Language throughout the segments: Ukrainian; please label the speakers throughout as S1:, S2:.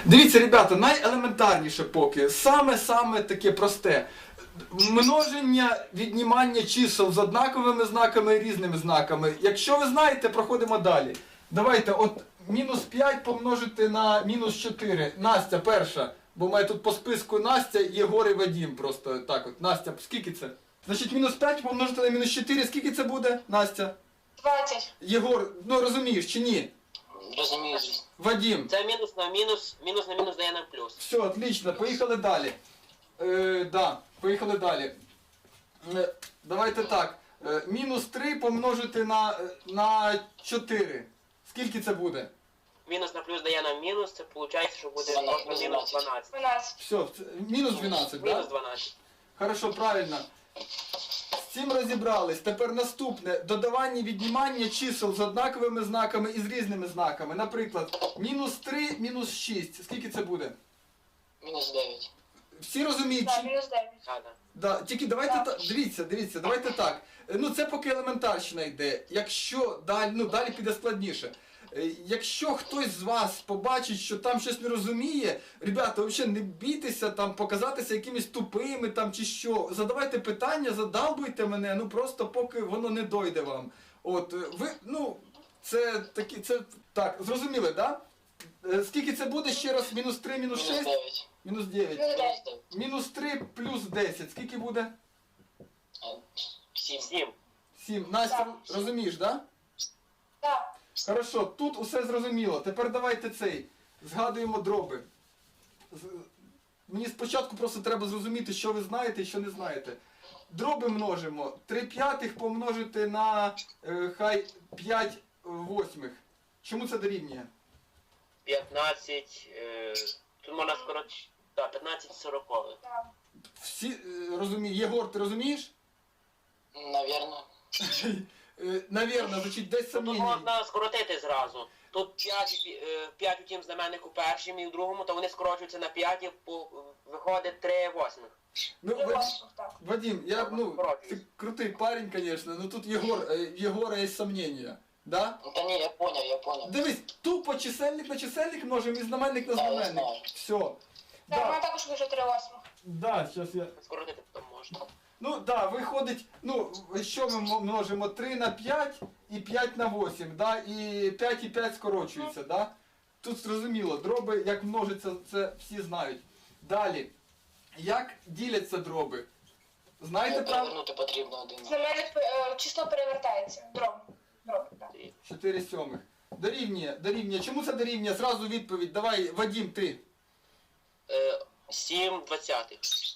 S1: Дивіться, ребята, найелементарніше поки, саме таке просте. Множення, віднімання чисел з однаковими знаками і різними знаками. Якщо ви знаєте, проходимо далі. Давайте, от мінус 5 помножити на мінус 4. Настя перша, бо має тут по списку Настя, Єгор і Вадим. Просто так от. Настя, скільки це? Значить, мінус 5 помножити на мінус 4, скільки це буде, Настя?
S2: 20.
S1: Єгор, ну розумієш чи ні?
S3: Розумію, звісно.
S1: Вадим.
S3: Це мінус на мінус дає нам плюс.
S1: Все, отлично, поїхали далі. Да, поїхали далі. Давайте так. Мінус 3 помножити на 4. Скільки це буде?
S3: Мінус на плюс дає нам мінус, це виходить, що буде 12. просто мінус 12.
S2: 12.
S1: Все, мінус 12, так?
S3: Мінус
S1: Да?
S3: 12.
S1: Хорошо, правильно. З цим розібрались. Тепер наступне. Додавання і віднімання чисел з однаковими знаками і з різними знаками. Наприклад, мінус 3, мінус 6. Скільки це буде?
S3: Мінус 9.
S1: Всі розуміють?
S2: Так, мінус 9.
S1: Да, тільки давайте
S2: Так.
S1: так, дивіться, давайте так. Ну це поки елементарщина йде. Якщо далі піде складніше. Якщо хтось з вас побачить, що там щось не розуміє, ребята, взагалі не бійтеся там показатися якимись тупими там чи що. Задавайте питання, задалбуйте мене, ну просто поки воно не дойде вам. От, ви, це так, зрозуміли, так? Да? Скільки це буде ще раз? Мінус 3, мінус 6?
S3: Мінус 9.
S1: Мінус 9.
S2: Мінус 9.
S1: Мінус 3 плюс 10. Скільки буде?
S3: 7.
S1: 7. Настя,
S2: Так.
S1: розумієш, так? Да?
S2: Так.
S1: Хорошо, тут усе зрозуміло. Тепер давайте згадуємо дроби. Мені спочатку просто треба зрозуміти, що ви знаєте і що не знаєте. Дроби множимо. 3 п'ятих помножити на хай 5 восьмих. Чому це дорівнює?
S3: 15. Тут можна скоротити. Так, 15 40.
S2: Так.
S1: Всі розуміють. Єгор, ти розумієш?
S3: Навірно.
S1: Навірно, значить десь
S3: Тут
S1: сумнівні.
S3: можна скоротити зразу. Тут 5 у тім знаменнику першим і в другому, то вони скорочуються на 5 і виходить 3 восьмих.
S1: Ну,
S2: Три восьмих, так.
S1: Вадим, ти крутий парень, звісно, но тут Єгора є сомнення. Да?
S3: Та ні, я поняв.
S1: Дивись, тупо чисельник на чисельник множимо і знаменник на
S3: Да, я
S1: знаменник.
S3: знаю.
S1: Все.
S2: Так,
S1: Да.
S2: мене також вийшло 3 восьмих.
S1: Да, сейчас я...
S3: Скоротити потім можна.
S1: Ну да, виходить, що ми множимо? 3 на 5 і 5 на 8, да? І 5 і 5 скорочується, да? Тут зрозуміло, дроби як множиться, це всі знають. Далі, як діляться дроби? Знаєте правильно?
S3: Перевернути потрібно один.
S2: Знаменник число перевертається. Дроб. Дроб, так.
S1: 4 сьомих. Дорівнює. Чому це дорівнює? Зразу відповідь. Давай, Вадим, ти.
S3: 7 двадцятих.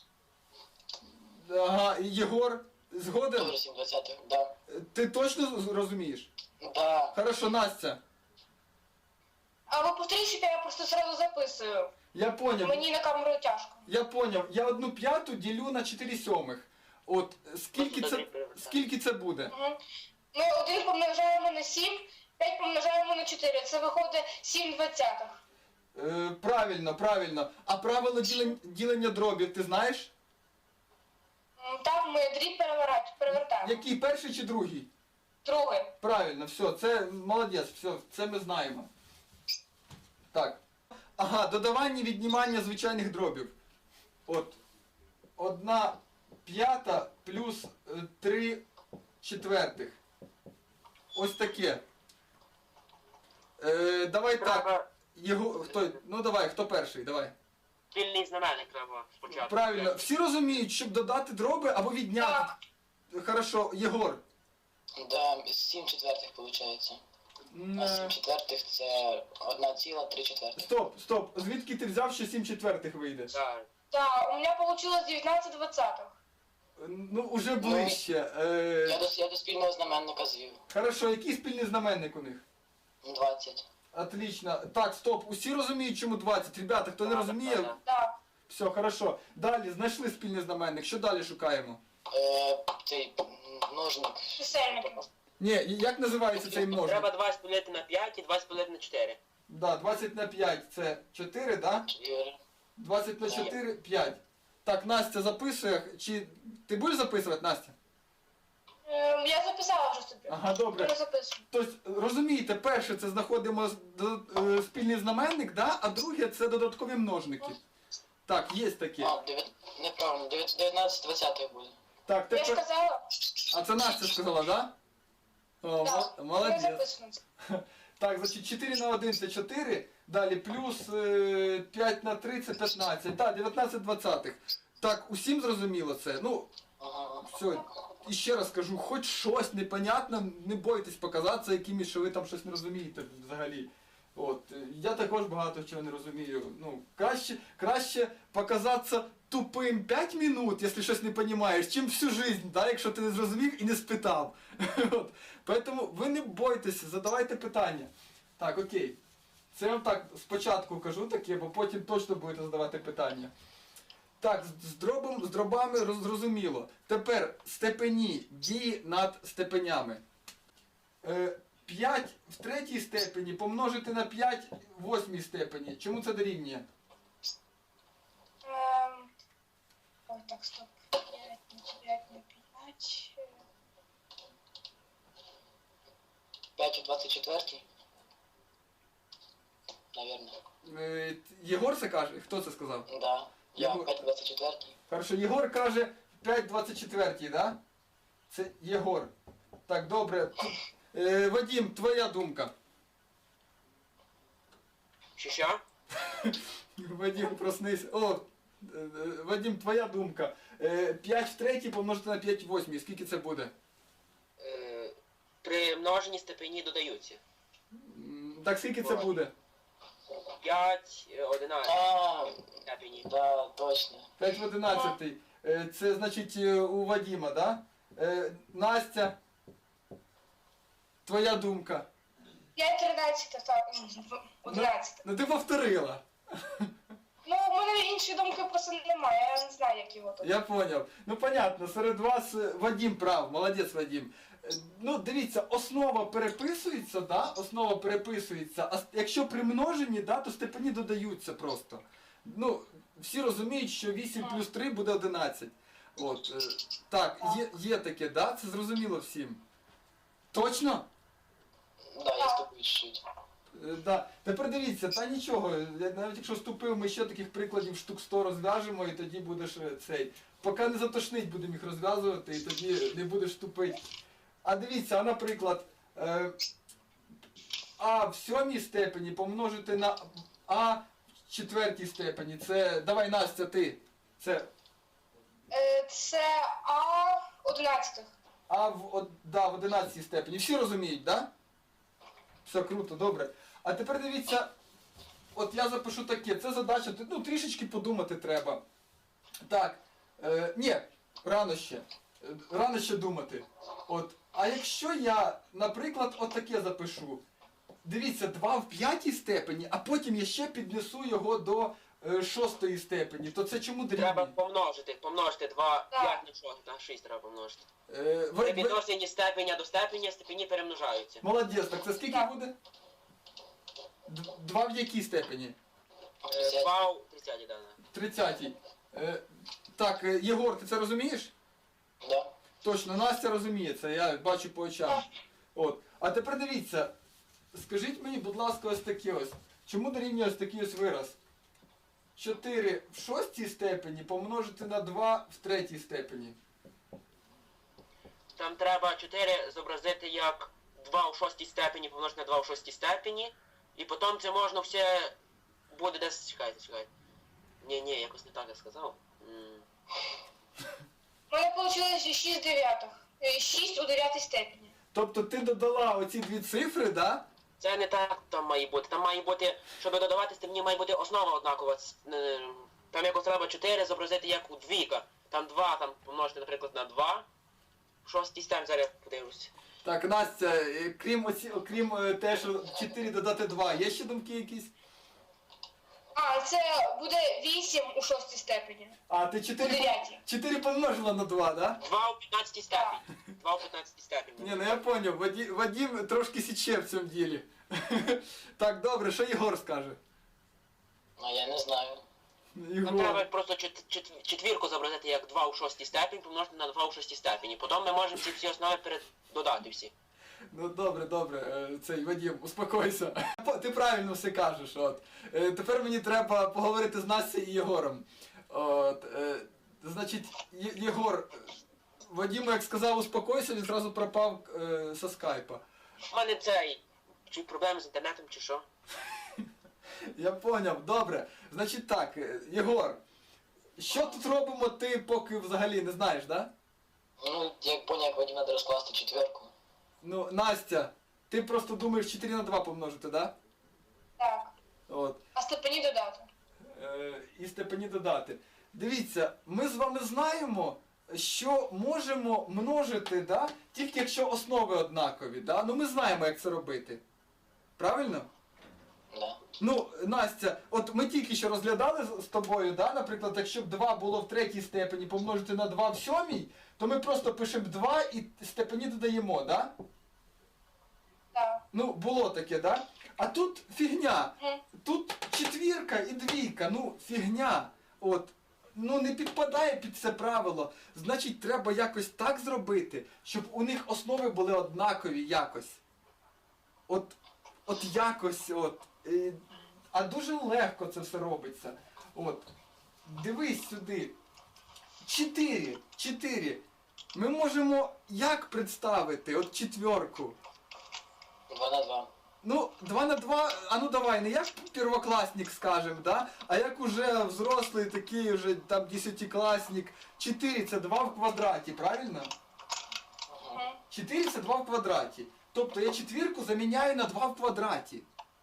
S1: Ага, Єгор, згоден?
S3: Добре, 7 двадцятих, да.
S1: Ти точно розумієш?
S3: Да.
S1: Хорошо, Настя.
S2: А ви повторіть, що я просто зразу записую.
S1: Я поняв.
S2: Мені на камеру тяжко.
S1: Я поняв. Я 1/5 ділю на 4 сьомих. От, скільки це буде?
S2: Угу. Ми 1 помножаємо на 7, 5 помножаємо на 4. Це виходить 7 двадцятих.
S1: Правильно. А правило ділення дробів ти знаєш?
S2: Так, ми дріб перевертаємо.
S1: Який, перший чи другий?
S2: Другий.
S1: Правильно, все, це молодець, все, це ми знаємо. Так. Ага, додавання і віднімання звичайних дробів. От. 1/5 плюс 3 четвертих. Ось таке. Давай так. Давай, хто перший? Давай.
S3: Спільний знаменник треба спочатку.
S1: Правильно. Всі розуміють, щоб додати дроби або відняти.
S2: Так.
S1: Хорошо, Єгор.
S3: Да, 7 четвертих виходить. А 7 четвертих це 1,3 четвертих.
S1: Стоп. Звідки ти взяв, що 7 четвертих вийде?
S3: Так.
S2: Так, у мене вийшло 19 двадцятих.
S1: Ну, уже ближче.
S3: Я до спільного знаменника звів.
S1: Хорошо, який спільний знаменник у них?
S3: 20.
S1: Отлично. Так, стоп. Усі розуміють, чому 20. Ребята, хто не розуміє,
S2: Так.
S1: все, хорошо. Далі, знайшли спільний знаменник. Що далі шукаємо?
S3: Цей множник.
S2: Чисельники.
S1: Ні, як називається цей множник?
S3: Треба 20 поділити на 5 і 20 поділити на 4.
S1: Да, 20 на 5 це 4, да?
S3: 4.
S1: 20 на 4 – 5. Так, Настя записує. Чи ти будеш записувати, Настя?
S2: Я записала вже собі.
S1: Ага, добре.
S2: Я записую.
S1: Тобто, розумієте, перше це знаходимо спільний знаменник, да? А друге це додаткові множники. Так, є таке.
S4: Неправильно, 19-20 буде.
S1: Так,
S2: Я ж
S1: тепер...
S2: казала.
S1: А це Настя сказала, да? О,
S2: Так, я
S1: молодець.
S2: записую.
S1: Так, значить 4 на 1 це 4, далі плюс 5 на 3 це 15. Так, 19 двадцятих. Так, усім зрозуміло це? Ну,
S4: Ага.
S1: все, і ще раз кажу, хоч щось непонятне, не бойтесь показатися якимось, що ви там щось не розумієте взагалі. От, я також багато чого не розумію. Ну, краще показатися тупим 5 минут, якщо щось не розумієш, чим всю жизнь, да, якщо ти не зрозумів і не спитав. От. Поэтому ви не бойтеся, задавайте питання. Так, окей. Це я вам так спочатку кажу таке, бо потім точно будете задавати питання. Так, з дробами зрозуміло. Тепер степені, дії над степенями. 5 в третій степені помножити на 5 в восьмій степені. Чому це дорівнює?
S2: Ой, так, стоп. 5 на 5.
S4: 5 у 24. Наверное.
S1: Єгор це каже? Хто це сказав?
S4: Да. Я
S1: Єгор.
S4: 5 у 24.
S1: Хорошо, Єгор каже 5,24, да? Це Єгор. Так, добре. Вадим, твоя думка.
S3: Що?
S1: Вадим, проснись. О, Вадим, твоя думка. 5 в третій помножити на 5 в восьмій. Скільки це буде?
S3: При множенні степені додаються.
S1: Так, скільки це буде?
S3: 5, 11
S4: А,
S3: степені.
S4: да, точно.
S1: 5 в 11. Це значить у Вадима, да? Настя, твоя думка.
S2: 5 13, так, 11.
S1: Ну ти повторила.
S2: Ну, у мене іншої думки просто немає, я не знаю, як його тут.
S1: Я поняв. Ну понятно, серед вас Вадим прав, молодець Вадим. Ну дивіться, основа переписується, да? Основа переписується, а якщо при множенні, да, то степені додаються просто. Ну, всі розуміють, що 8 плюс 3 буде 11. От, так, є таке, да? Це зрозуміло всім. Точно?
S4: Да, я ступаю чуть-чуть.
S1: Да. Тепер дивіться, та нічого, навіть якщо ступив, ми ще таких прикладів штук 100 розв'яжемо і тоді будеш цей. Поки не затошнить, будемо їх розв'язувати і тоді не будеш тупити. А дивіться, а наприклад, А в сьомій степені помножити на А в четвертій степені. Це, давай Настя, ти. Це
S2: Це А 11.
S1: А в 11 степені. Всі розуміють, да? Все круто, добре. А тепер дивіться, от я запишу таке, це задача, ну трішечки подумати треба. Так, ні, рано ще. Рано ще думати. От, а якщо я, наприклад, от таке запишу. Дивіться, 2 в п'ятій степені, а потім я ще піднесу його до 6 степені, то це чому
S3: Треба
S1: дорівнює?
S3: помножити 2,
S2: Так.
S3: 5 на 6, на 6 треба помножити.
S1: Е,
S3: При
S1: ви-
S3: відношенні степеня до степеня степені перемножаються.
S1: Молодець, так це скільки
S2: Так.
S1: буде? 2 в якій степені?
S3: 2 у 30, да.
S1: 30-й. Так, Єгор, ти це розумієш?
S4: Да.
S1: Точно, Настя розуміє це, я бачу по очам. От. А тепер дивіться, скажіть мені, будь ласка, ось таке ось. Чому дорівнює ось такий ось вираз? 4 в 6 степені помножити на 2 в 3 степені.
S3: Там треба 4 зобразити як 2 у 6 степені помножити на 2 у 6 степені. І потім це можна все буде десь, чекайте. Ні, якось не так я сказав.
S2: У мене вийшло 6 дев'ятих. 6 у 9 степені.
S1: Тобто ти додала оці дві цифри, да?
S3: Це не так там має бути. Там має бути, щоб додавати степені, має бути основа однакова. Там якось треба 4 зобразити як у двійка. Там 2, там помножити, наприклад, на 2. 6 степень, зараз подивлюсь.
S1: Так, Настя, окрім те, що 4 додати 2, є ще думки якісь?
S2: А, це буде 8 у 6 степені.
S1: А, ти
S2: У 9.
S1: 4 помножила на 2, да?
S3: 2 у 15 степені. 2 у 15 степені.
S1: Ні, ну я поняв, Вадим трошки січе в цьому ділі. Так, добре, що Єгор скаже?
S4: Ну, я не знаю.
S3: Нам треба просто четвірку зобразити як 2 у шостій степені, помножити на 2 у шостій степені. Потім ми можемо ці всі основи додати всі.
S1: Ну добре, цей Вадим, успокойся. Ти правильно все кажеш. От. Тепер мені треба поговорити з Настю і Єгором. От, значить, Єгор, Вадиму як сказав успокойся, він зразу пропав со скайпа.
S3: У мене чи проблеми з інтернетом, чи що?
S1: Я поняв, добре. Значить так, Єгор, що тут робимо, ти поки взагалі не знаєш, да?
S4: Ну, як поняв, як Вадим, треба розкласти четверку.
S1: Ну, Настя, ти просто думаєш 4 на 2 помножити, да?
S2: Так.
S1: От.
S2: А степені додати.
S1: І степені додати. Дивіться, ми з вами знаємо, що можемо множити, да? Тільки якщо основи однакові, да? Ну ми знаємо, як це робити. Правильно?
S4: Да.
S1: Ну, Настя, от ми тільки що розглядали з тобою, да? Наприклад, якщо б 2 було в третій степені помножити на 2 в сьомій, то ми просто пишемо 2 і степені додаємо, да?
S2: Так.
S1: Ну, було таке, да? А тут фігня.
S2: Мгм.
S1: Тут четвірка і двійка, ну, фігня. От. Ну, не підпадає під це правило. Значить, треба якось так зробити, щоб у них основи були однакові якось. От якось, от. А дуже легко це все робиться. От. Дивись сюди. 4. Ми можемо як представити? От четверку.
S4: 2 на 2.
S1: Ну, 2 на 2, а ну давай, не як первокласник скажем, да? А як уже взрослий такий, уже там 10-класник. 4 це 2 в квадраті, правильно?
S2: Мгм.
S1: 4 це 2 в квадраті. Тобто я четвірку заміняю на 2 в квадраті.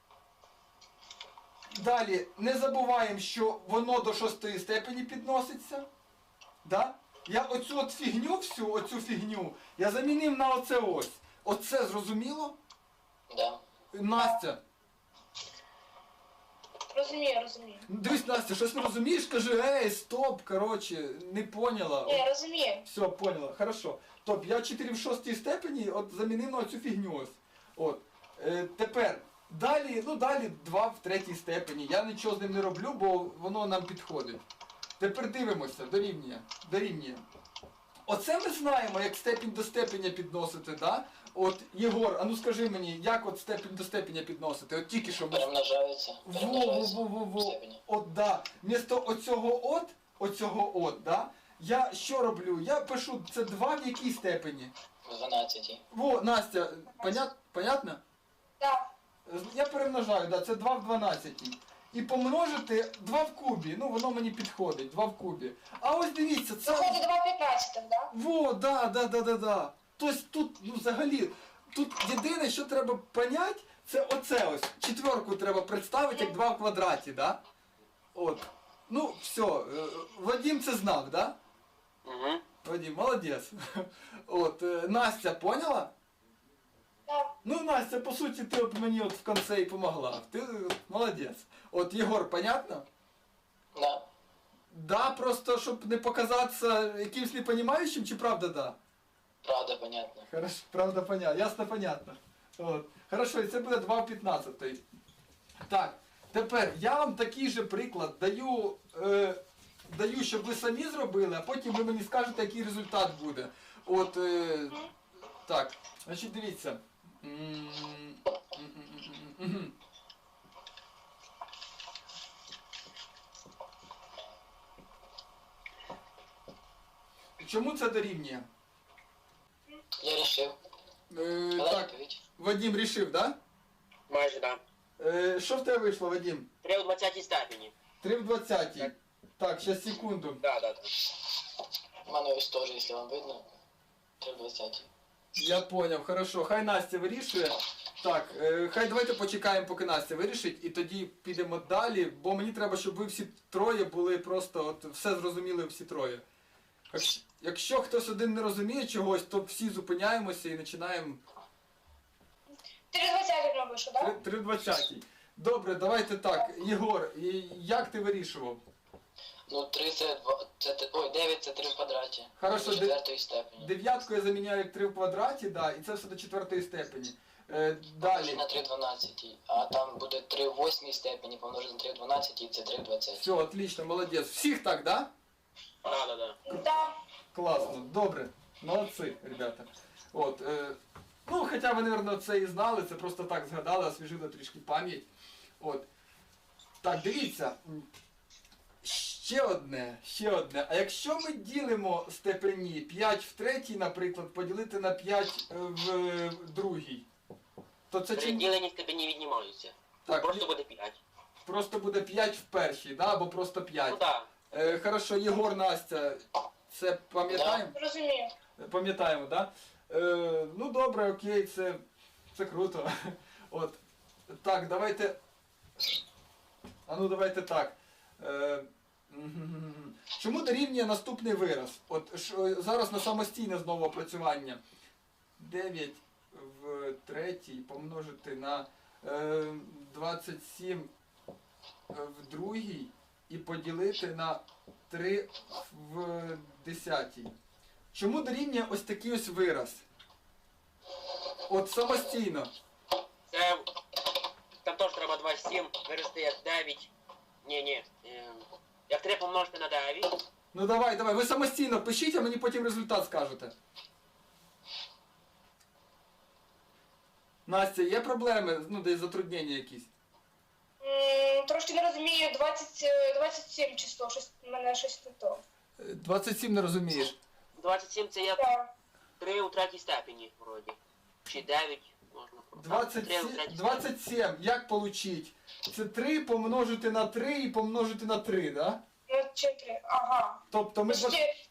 S1: Далі, не забуваємо, що воно до 6 степені підноситься. Да? Я оцю от фігню всю, оцю фігню, я замінив на оце ось. Оце зрозуміло?
S4: Да.
S1: Настя.
S2: Розумію.
S1: Дивись, Настя, щось не розумієш? Кажи, ей, стоп, короче, не поняла.
S2: Ні, розумію.
S1: Все, поняла, хорошо. Тобто я 4 в 6 степені от замінив на цю фігню ось. От. Тепер, далі 2 в 3 степені. Я нічого з ним не роблю, бо воно нам підходить. Тепер дивимося, дорівнює. Оце ми знаємо, як степінь до степеня підносити, да? От, Єгор, а ну скажи мені, як от степінь до степеня підносити? От тільки що ми...
S4: Перемножаються.
S1: Во. От, да. Вмісто оцього от, да? Я що роблю? Я пишу, це 2 в якій степені?
S4: В 12.
S1: Во, Настя, понятно?
S2: Так.
S1: Я перемножаю, да, це 2 в 12. І помножити 2 в кубі, ну воно мені підходить, 2 в кубі. А ось дивіться, це...
S2: Виходить 2 в 15, да?
S1: Во, да. Тобто тут, ну взагалі, тут єдине, що треба поняти, це оце ось. Четверку треба представити як 2 в квадраті, да? От. Ну, все, Вадим це знав, да?
S3: Угу.
S1: Вадим, молодець. От, Настя, поняла?
S2: Так.
S1: Ну, Настя, по суті, ти от мені от в кінці і помогла. Ти молодець. От, Єгор, понятно?
S4: Да.
S1: Да, просто, щоб не показатися якимсь непонімаючим, чи правда да?
S4: Правда, понятно.
S1: Хорошо, правда понятно, ясно понятно. От. Хорошо, і це буде 2 в 15. Так, тепер я вам такий же приклад даю, щоб ви самі зробили, а потім ви мені скажете, який результат буде. От, так, значить дивіться. Чому це дорівнює?
S4: Я рішив.
S1: Так, Вадим рішив, да?
S3: Майже, так.
S1: Що в тебе вийшло, Вадим?
S3: 3 у 20 степені.
S1: 3 в 20. Так, сейчас секунду.
S3: Да.
S4: У мене ось теж, якщо вам видно. 3 в 20.
S1: Я поняв, хорошо. Хай Настя вирішує. Так, хай давайте почекаємо, поки Настя вирішить, і тоді підемо далі, бо мені треба, щоб ви всі троє були просто, от все зрозуміли всі троє. Якщо хтось один не розуміє чогось, то всі зупиняємося і починаємо
S2: 3 в 20 робиш, так?
S1: 3 в 20. Добре, давайте так. Єгор, як ти вирішував?
S4: Ну, 3 це 2, ой, 9 це 3 в квадраті.
S1: Хорошо,
S4: До 4 степені.
S1: Дев'ятку я заміняю як 3 в квадраті, да, і це все до 4 степені. Далі.
S4: на 3 в 12, а там буде 3 в 8 степені помножити на 3 в 12 і це 3 в 20.
S1: Все, отлично, молодець. Всіх так, да?
S3: Да.
S2: Да.
S1: Класно, добре. Молодці, ребята. От, ну, хоча ви, мабуть, це і знали, це просто так згадали, освіжили трішки пам'ять. От. Так, дивіться. Ще одне. А якщо ми ділимо степені 5 в третій, наприклад, поділити на 5 в другій, то це
S3: При
S1: чим?
S3: діленні степені віднімаються.
S1: Так,
S3: Просто буде 5.
S1: просто буде 5 в першій, да? Або просто 5.
S3: Ну так.
S1: Хорошо, Єгор, Настя, це пам'ятаємо?
S2: Розумію.
S1: Пам'ятаємо, так? Да? Ну добре, окей, це круто. От. Так, давайте. А ну давайте так. Чому дорівнює наступний вираз? От зараз на самостійне знову опрацювання. 9 в третій помножити на 27 в другій і поділити на 3 в десятій. Чому дорівнює ось такий ось вираз? От самостійно.
S3: Це... Там теж треба 27 вирости як 9. Ні. Як 3 помножити на 9.
S1: Ну давай, ви самостійно пишіть, а мені потім результат скажете. Настя, є проблеми? Ну, десь затруднення якісь?
S2: Трошки не розумію, 27 число, в мене щось не то.
S1: 27 не розумієш.
S3: 27 це як
S2: Так.
S3: 3 у третій степені, вроді. Чи 9 можна.
S1: 27, як получить? Це 3 помножити на 3 і помножити на 3, да?
S2: Ну, 4, ага.
S1: Тобто ми...
S2: Почти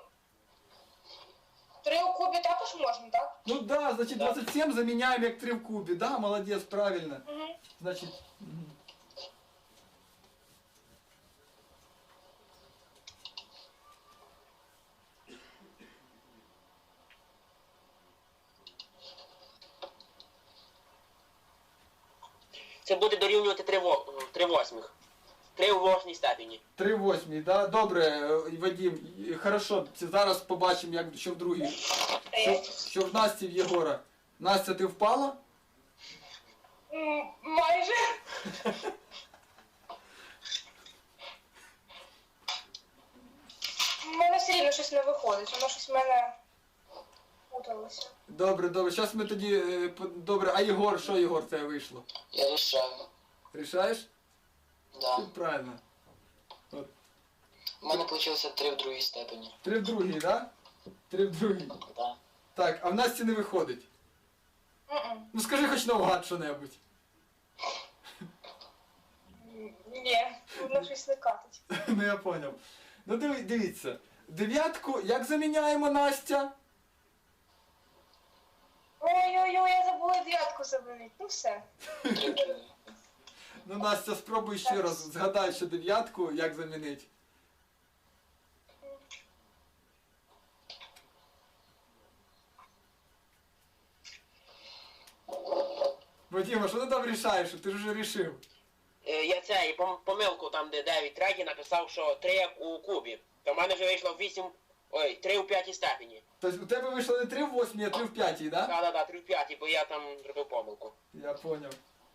S2: 3 у кубі також можна, так?
S1: Ну да, значить 27 заміняємо як 3 в кубі. Да, молодець, правильно.
S2: Угу.
S1: Значить... мгм.
S3: Це буде дорівнювати 3 восьмих. 3 у восьмій степені.
S1: 3 восьмій, да? Добре, Вадим, хорошо, це зараз побачимо, як що в другій. Що в Насті, в Єгора. Настя, ти впала?
S2: Майже. У мене все рівно щось не виходить, воно щось в мене путалося.
S1: Добре, зараз ми тоді... Добре, а Єгор, що Єгор, це вийшло?
S4: Я рішаю.
S1: Рішаєш?
S4: Да.
S1: Правильно. От.
S4: У мене вийшло 3 в другій степені.
S1: 3 в другій, да? 3 в другій.
S4: Да.
S1: Так, а в Насті не виходить.
S2: М-м.
S1: Ну скажи хоч навгад що-небудь.
S2: Ні, воно щось не катить.
S1: Ну я поняв. Ну дивіться. Дев'ятку як заміняємо, Настя?
S2: Ой-ой-ой, я забула дев'ятку замінити. Ну все.
S4: 3 в другій.
S1: Ну Настя, спробуй ще раз. Згадай, що дев'ятку як замінити. Вадима, що ти там рішаєш? Ти ж вже рішив.
S3: Я цей помилку там, де 9 третій, написав, що 3 як у кубі. То в мене вже вийшло 3 у п'ятій степені.
S1: Тобто у тебе вийшло не 3 в 8, а 3 в 5, да?
S3: Да, 3 в п'ятій, бо я там зробив помилку.
S1: Я поняв.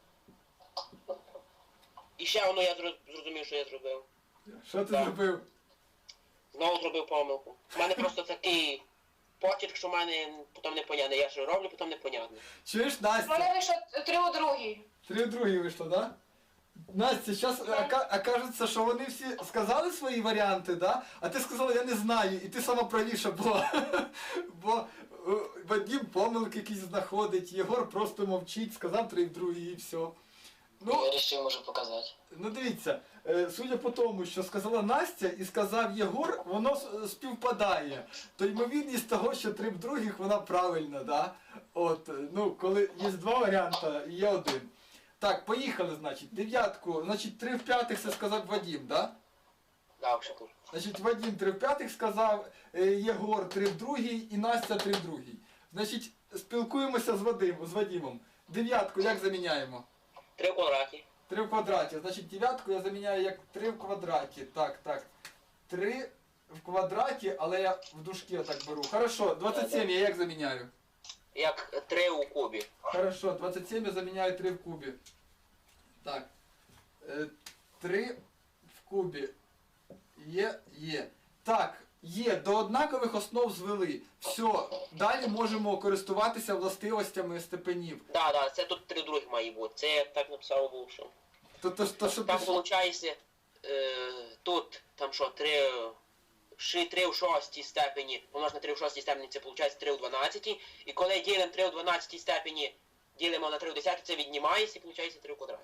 S3: І ще воно я зрозумів, що я зробив.
S1: Що ти
S3: Так.
S1: зробив?
S3: Знову зробив помилку. У мене просто такий почерк, що в мене потім непонятний. Я що роблю, потім непонятно.
S1: Чуєш,
S2: У мене
S1: Настя?
S2: вийшло 3 у другій.
S1: 3 в другій вийшло, да? Настя, зараз окажеться, що вони всі сказали свої варіанти, да? А ти сказала, я не знаю, і ти сама правіша була. Бо Вадим помилки якісь знаходить, Єгор просто мовчить, сказав 3 в другій і все. Ну,
S4: Я рішив, можу показати.
S1: ну дивіться, судя по тому, що сказала Настя і сказав Єгор, воно співпадає. То ймовірність того, що 3 в других, вона правильна, да? От, ну, коли є два варіанти, і є один. Так, поїхали, значить, дев'ятку, значить, 3 в п'ятих це сказав Вадим, да?
S3: Да, вже тут.
S1: Значить, Вадим 3 в п'ятих сказав, Єгор 3 в другій і Настя 3 в другій. Значить, спілкуємося з Вадимом. Дев'ятку як заміняємо?
S3: 3 в квадраті.
S1: 3 в квадраті. Значить, дев'ятку я заміняю як 3 в квадраті. Так. 3 в квадраті, але я в дужки отак беру. Хорошо, 27 я як заміняю?
S3: як 3 у кубі.
S1: Хорошо, 27 я заміняю 3 в кубі. Так. 3 в кубі. Є. Так, є, до однакових основ звели. Все, далі можемо користуватися властивостями степенів.
S3: Да, це тут 3 других має бути. Це я так написав був, що.
S1: То, що
S3: Там
S1: пішло.
S3: виходить, тут, там що, 3 у 6 степені, помножити на 3 у 6 степені, це виходить 3 у 12. І коли ділимо 3 у 12 степені, ділимо на 3 у 10, це віднімається і виходить 3 у квадраті.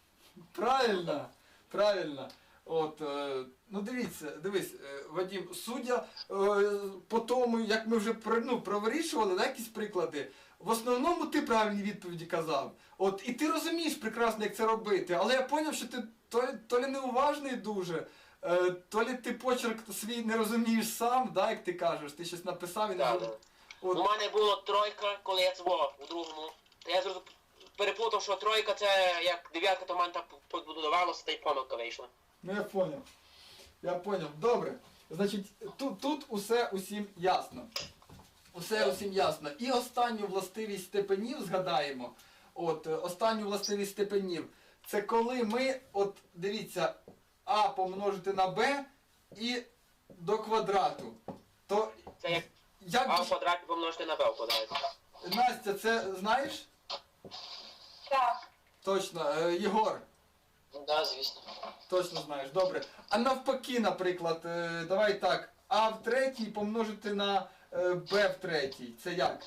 S1: Правильно. От, ну дивись, Вадим, судя по тому, як ми вже провирішували, да, якісь приклади, в основному ти правильні відповіді казав. От, і ти розумієш прекрасно, як це робити, але я зрозумів, що ти то лі неуважний дуже, то лі ти почерк свій не розумієш сам, да, як ти кажеш, ти щось написав і не
S3: Да,
S1: розумієш.
S3: да. У мене було 3, коли я цвох у другому. Та я переплутав, що 3 це як 9, то в мене так подбудувалося, та й помилка вийшла.
S1: Ну я поняв. Добре. Значить, тут усе усім ясно. Усе усім ясно. І останню властивість степенів згадаємо. От, останню властивість степенів. Це коли ми, от, дивіться, а помножити на b і до квадрату. То
S3: Це як
S1: як
S3: а в квадраті помножити на b в квадраті.
S1: Настя, це знаєш?
S2: Так.
S1: Точно. Єгор,
S4: Да, звісно.
S1: точно знаєш. Добре. А навпаки, наприклад, давай так, а в третій помножити на b в третій. Це як?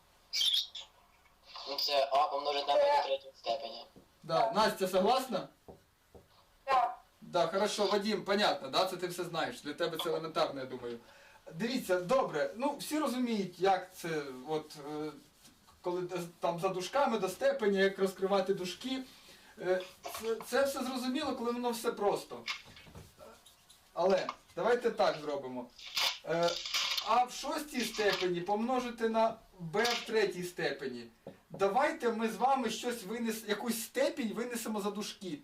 S4: Ну це а помножити на b до третьої степені.
S1: Да. Настя, согласна?
S2: Так.
S1: Да, хорошо, Вадим, понятно, да, це ти все знаєш. Для тебе це елементарно, я думаю. Дивіться, добре, ну всі розуміють, як це, от, коли там за дужками до степені, як розкривати дужки. Це все зрозуміло, коли воно все просто. Але давайте так зробимо. А в шостій степені помножити на b в третій степені. Давайте ми з вами якусь степінь винесемо за дужки.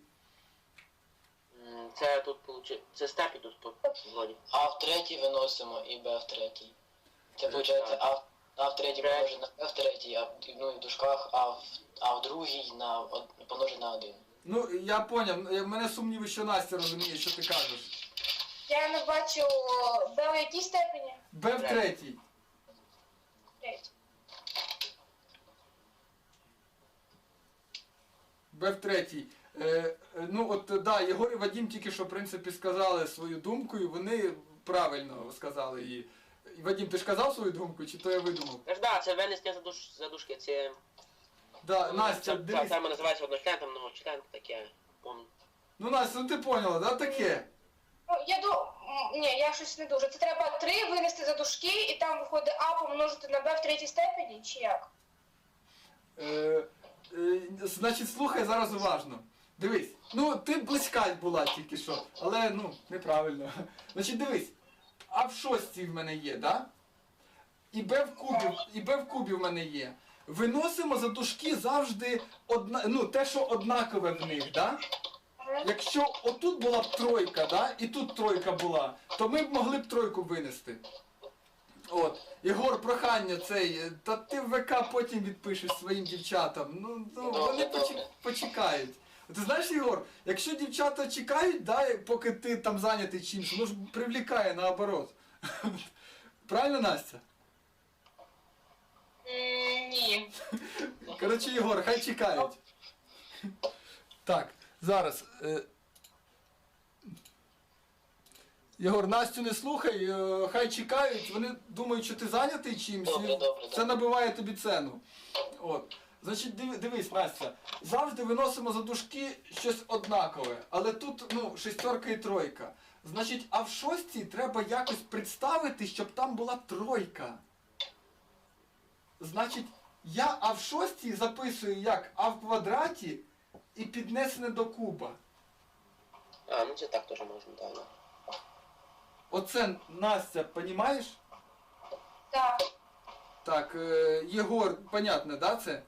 S3: Це тут получить. Це степі тут по згоді.
S4: А в третій виносимо і b в третій. Це виходить а в третій помножити на b в третій, ну і в дужках, а в другій помножити на 1.
S1: Ну, я поняв, в мене сумніви, що Настя розуміє, що ти кажеш.
S2: Я не бачу Б в якій степені?
S1: b в третій.
S2: Третій.
S1: b в третій. Ну от, да, Єгор і Вадим тільки що, в принципі, сказали свою думку, і вони правильно сказали її. І, Вадим, ти ж казав свою думку, чи то я видумав?
S3: Тож да, це винесення за дужки. Це
S1: Да, Настя,
S3: це
S1: дивись.
S3: саме називається одночлен, там многочлен, таке. Помню.
S1: Ну, Настя, ну ти поняла, да, таке?
S2: Ну, ні, я щось не дуже. Це треба 3 винести за дужки, і там виходить А помножити на Б в третій степені, чи як?
S1: Значить, слухай зараз уважно. Дивись, ну ти близька була тільки що, але ну, неправильно. Значить, дивись, а в шостій в мене є, да? І b в кубі в мене є. Виносимо за дужки завжди те, що однакове в них, да? Якщо отут була б тройка, да, і тут тройка була, то ми б могли б тройку винести. От. Єгор, прохання цей, та ти в ВК потім відпишеш своїм дівчатам. Ну вони
S4: Добре.
S1: почекають. Ти знаєш, Єгор, якщо дівчата чекають, да, поки ти там зайнятий чимось, воно ж привлікає наоборот. Правильно, Настя?
S2: Ні.
S1: Коротше, Єгор, хай чекають. Так, зараз. Єгор, Настю не слухай, хай чекають, вони думають, що ти зайнятий чимось,
S4: Добре,
S1: і
S4: добре,
S1: це набиває тобі ціну. От. Значить, дивись, Настя, завжди виносимо за дужки щось однакове, але тут, ну, шестерка і тройка. Значить, а в шостій треба якось представити, щоб там була тройка. Значить, я а в шостій записую як а в квадраті і піднесене до куба.
S3: А, ну це так теж можна, так. Да.
S1: Оце, Настя, понімаєш?
S2: Так.
S1: Так, Єгор, понятно, да, це?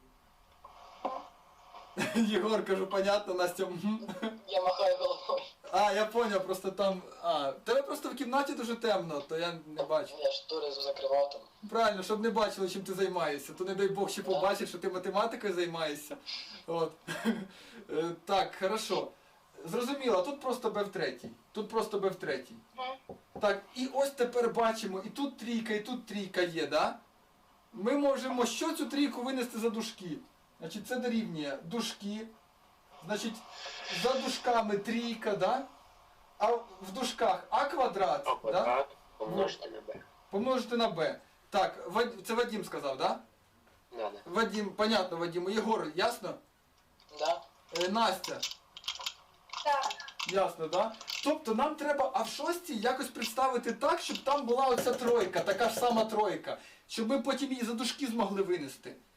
S1: Єгор, кажу, понятно, Настя.
S4: Я махаю головою.
S1: А, я поняв, просто там. А, в тебе просто в кімнаті дуже темно, то я не бачу.
S4: Я штори закривав там.
S1: Правильно, щоб не бачили, чим ти займаєшся. То не дай Бог ще побачить, що ти математикою займаєшся. От. Так, хорошо. Зрозуміло, а тут просто Б в третій. Тут просто Б в третій.
S2: Мгм.
S1: Так, і ось тепер бачимо, і тут трійка є, да? Ми можемо що цю трійку винести за дужки? Значить, це дорівнює дужки. Значить, за дужками трійка, да? А в дужках А квадрат,
S3: А
S1: да?
S3: квадрат помножити на b.
S1: Помножити на Б. Так, це Вадим сказав, да?
S3: Да, да.
S1: Вадим, понятно, Вадим. Єгор, ясно?
S4: Да?
S1: Настя,
S2: Так.
S1: ясно, да? Тобто нам треба, а в шостій якось представити так, щоб там була оця тройка, така ж сама тройка, щоб ми потім її за дужки змогли винести.